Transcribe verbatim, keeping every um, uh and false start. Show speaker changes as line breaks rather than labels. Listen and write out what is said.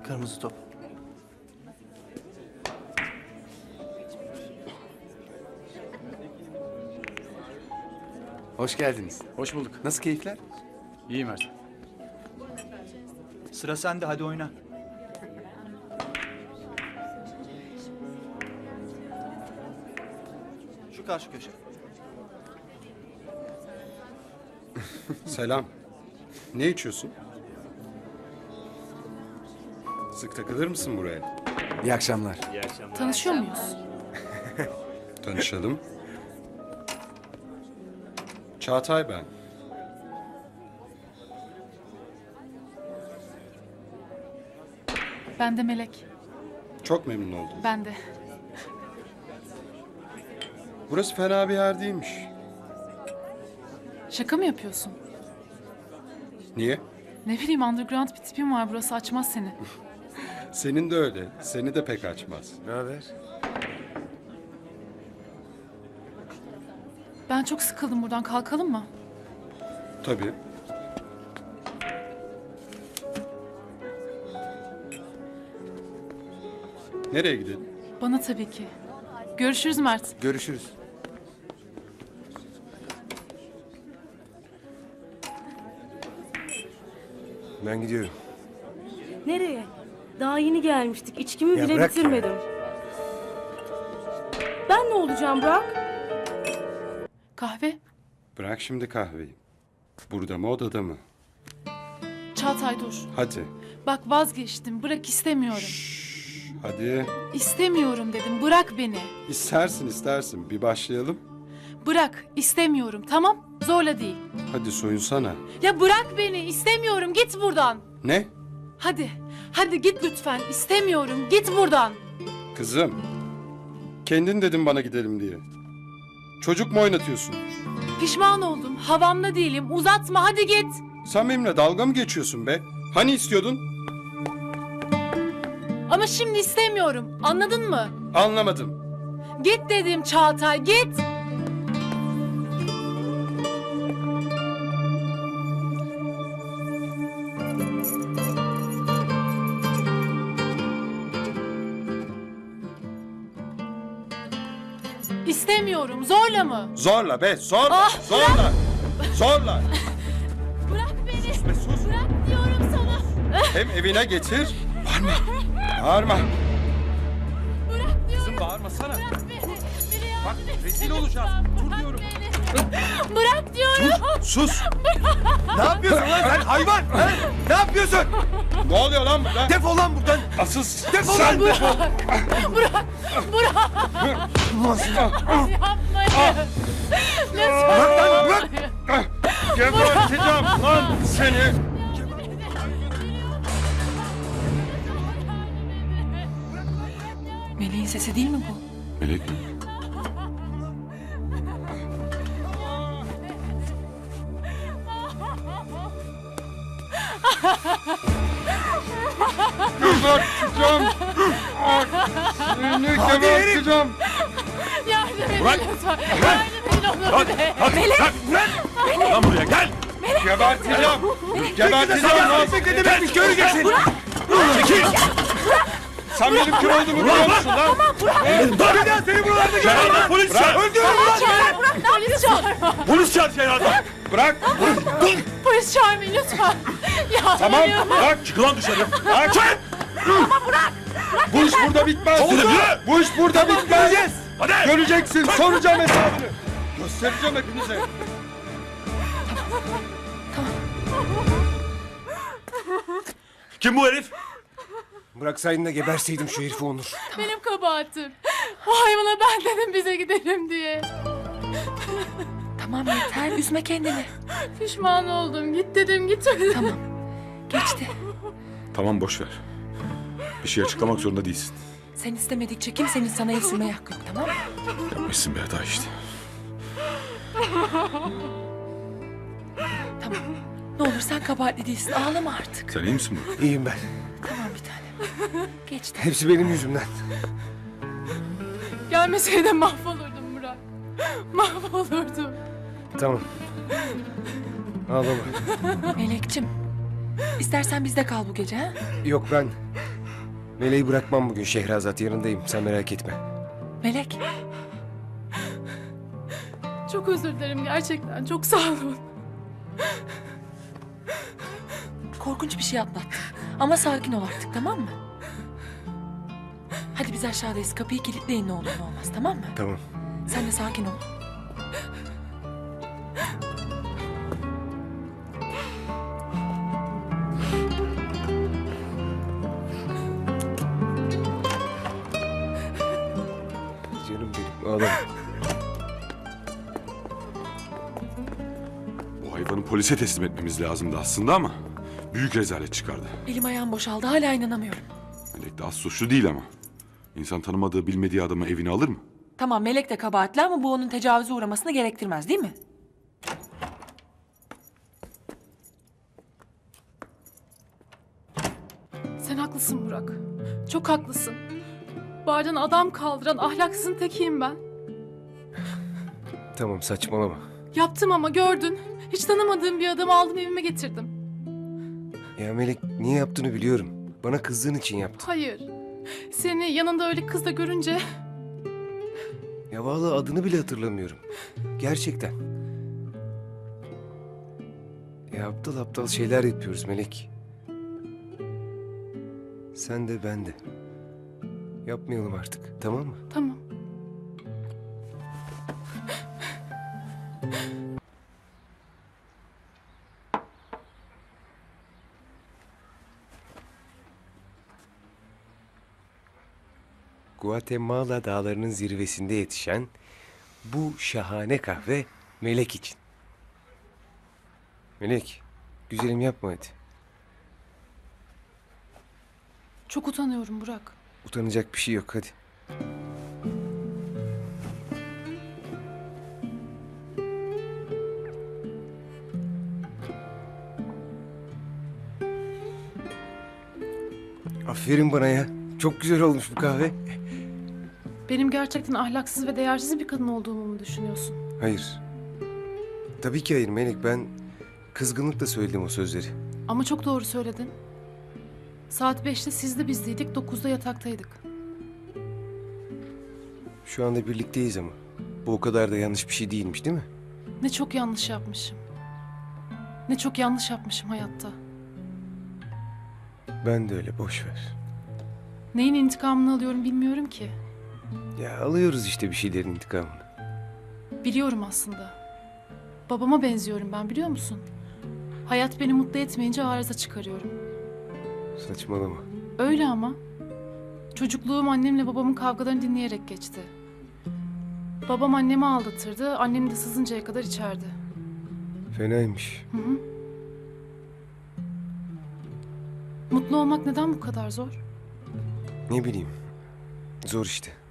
Kırmızı top.
Hoş geldiniz.
Hoş bulduk.
Nasıl keyifler?
İyi Mert.
Sıra sende, hadi oyna. Şu karşı köşe.
Selam. Ne içiyorsun? Sık takılır mısın buraya?
İyi akşamlar.
Tanışıyor muyuz?
Tanışalım. Çağatay ben.
Ben de Melek.
Çok memnun oldum.
Ben de.
Burası fena bir yer değilmiş.
Şaka mı yapıyorsun?
Niye?
Ne bileyim, underground bir tipim var, burası açmaz seni.
Senin de öyle. Seni de pek açmaz.
Ne haber?
Ben çok sıkıldım buradan, kalkalım mı?
Tabii. Nereye gidelim?
Bana tabii ki. Görüşürüz Mert.
Görüşürüz.
Ben gidiyorum.
Nereye? Daha yeni gelmiştik. İçkimi
Ya
bile
bırak
bitirmedim. Ben ne olacağım Burak?
Kahve?
Bırak şimdi kahveyi. Burada mı odada mı?
Çağatay dur.
Hadi.
Bak vazgeçtim, bırak, istemiyorum.
Hadi.
İstemiyorum dedim, bırak beni.
İstersin istersin. Bir başlayalım.
Bırak, istemiyorum, tamam? Zorla değil.
Hadi soyunsana.
Ya bırak beni, istemiyorum, git buradan.
Ne?
Hadi, hadi git lütfen, istemiyorum, git buradan.
Kızım. Kendin dedin bana gidelim diye. Çocuk mu oynatıyorsun?
Pişman oldum, havamda değilim, uzatma, hadi git.
Sen benimle dalga mı geçiyorsun be? Hani istiyordun?
Ama şimdi istemiyorum, anladın mı?
Anlamadım.
Git dedim Çağatay, git. İstemiyorum, zorla mı?
Zorla be, zorla,
Ah,
zorla, zorla.
Bırak beni,
Be sus.
bırak diyorum sana.
Hem evine getir. Bağırma, bağırma.
Bırak diyorum,
Kızım bağırmasana.
bırak beni. Beni yardım
Bak
et.
rezil olacağız. Dur diyorum.
Beni. Bırak diyorum.
Sus.
Ne yapıyorsun lan sen hayvan? Ha? Ne yapıyorsun?
Ne oluyor lan burada?
Defol lan buradan.
Asıl
Defol
sen
lan.
defol.
Bırak, bırak. Yapmayın.
Bırak lan bırak.
Geberteceğim lan seni.
Meleğin sesi değil mi bu?
Melek mi? Geberteceğim. Seni geberteceğim.
Yardım edin
Bırak.
lütfen. Yardım edin onu be.
Melek. Bırak. Lan buraya gel.
Geberteceğim. Geberteceğim lan.
Ne demekmiş göreceksin. Çekil.
Sen benim kim olduğumu biliyor musun lan?
Dur. Bir daha seni buralarda görmem. Polis çağır. Öldürürüm lan seni.
Polis çağırma.
Polis çağır Ceylan'dan.
Bırak.
Polis çağırmayın lütfen. Yardım
Tamam.
ediyorum.
Bırak.
Çık lan dışarı.
Bırak. Bu iş burada bitmez.
Oldu.
Bu iş burada bitmez.
Göreceğiz. Hadi.
Göreceksin. Soracağım hesabını. Göstereceğim hepinize.
Kim bu herif? Bıraksaydın da geberseydim şu herifi Onur.
Benim kabahatim. O hayvana ben dedim bize gidelim diye.
Tamam yeter, üzme kendini.
Pişman oldum. Git dedim, gitmedi.
Tamam, geçti.
Tamam boş ver. Bir şey açıklamak zorunda değilsin.
Sen istemedikçe kimsenin sana el sürmeye hakkı yok, tamam mı?
Yapmışsın bir hata işte.
Tamam. Ne olur sen kabahatli değilsin, ağlama artık.
Sen iyi misin Burak?
İyiyim ben.
Tamam bir tanem. Geçti.
Hepsi benim yüzümden.
Gelmeseydin mahvolurdum Murat. Mahvolurdum.
Tamam. Ağlama.
Melekçim, istersen bizde kal bu gece ha?
Yok ben Meleği bırakmam bugün Şehrazat, yanındayım, sen merak etme.
Melek,
Çok özür dilerim gerçekten. Çok sağ olun.
korkunç bir şey atlattın. Ama sakin ol artık, tamam mı? Hadi biz aşağıdayız. Kapıyı kilitleyin ne olur ne olmaz, tamam mı?
Tamam.
Sen de sakin ol.
Canım benim, ağlama.
Bu hayvanı polise teslim etmemiz lazımdı aslında ama büyük rezalet çıkardı.
Elim ayağım boşaldı. Hala inanamıyorum.
Melek de az suçlu değil ama. İnsan tanımadığı, bilmediği adamı evine alır mı?
Tamam, Melek de kabahatli ama bu onun tecavüze uğramasını gerektirmez, değil mi?
Sen haklısın Burak. Çok haklısın. Bardan adam kaldıran ahlaksızın tekiyim ben.
Tamam, saçmalama.
Yaptım ama gördün. Hiç tanımadığım bir adamı aldım evime getirdim.
Ya Melek, niye yaptığını biliyorum. Bana kızdığın için yaptın.
Hayır. Seni yanında öyle kızla görünce
Ya vallahi adını bile hatırlamıyorum. Gerçekten. Ya aptal aptal şeyler yapıyoruz Melek. Sen de ben de. Yapmayalım artık, tamam mı?
tamam.
Guatemala dağlarının zirvesinde yetişen bu şahane kahve Melek için. Melek, güzelim yapma hadi.
Çok utanıyorum Burak.
Utanacak bir şey yok, hadi. Aferin bana ya. Çok güzel olmuş bu kahve.
Benim gerçekten ahlaksız ve değersiz bir kadın olduğumu mu düşünüyorsun?
Hayır. Tabii ki hayır Melek. Ben kızgınlıkla söyledim o sözleri.
Ama çok doğru söyledin. Saat beşte sizde bizdeydik, dokuzda yataktaydık.
Şu anda birlikteyiz ama. Bu o kadar da yanlış bir şey değilmiş, değil mi?
Ne çok yanlış yapmışım. Ne çok yanlış yapmışım hayatta.
Ben de öyle, boş ver.
Neyin intikamını alıyorum bilmiyorum ki.
Ya alıyoruz işte bir şeylerin intikamını.
Biliyorum aslında. Babama benziyorum ben, biliyor musun? Hayat beni mutlu etmeyince arıza çıkarıyorum.
Saçmalama.
Öyle ama. Çocukluğum annemle babamın kavgalarını dinleyerek geçti. Babam annemi aldatırdı, annem de sızıncaya kadar içerdi.
Fenaymış.
Hı hı. Mutlu olmak neden bu kadar zor?
Ne bileyim. Zor işte.